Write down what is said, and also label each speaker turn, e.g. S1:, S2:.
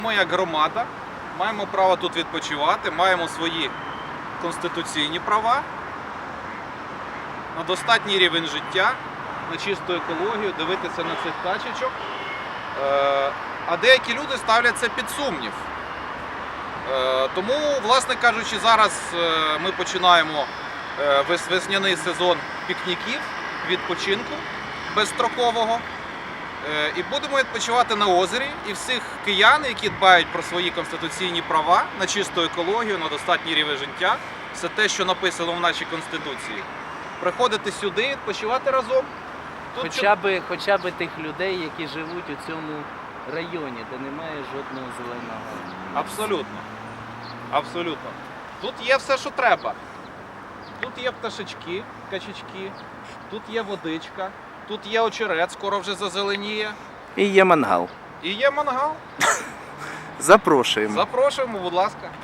S1: Ми як громада маємо право тут відпочивати, маємо свої конституційні права на достатній рівень життя, на чисту екологію, дивитися на цих качечок. А деякі люди ставлять це під сумнів. Тому, власне кажучи, зараз ми починаємо весняний сезон пікніків, відпочинку безстрокового. І будемо відпочивати на озері. І всіх киян, які дбають про свої конституційні права, на чисту екологію, на достатній рівень життя, все те, що написано в нашій Конституції, приходити сюди, відпочивати разом. Тут
S2: Хоча б тих людей, які живуть у цьому районі, де немає жодного зеленого.
S1: Абсолютно. Абсолютно. Тут є все, що треба. Тут є пташечки, качечки, тут є водичка, тут є очерет, скоро вже зазеленіє.
S2: І є мангал.
S1: І є мангал.
S2: Запрошуємо.
S1: Запрошуємо, будь ласка.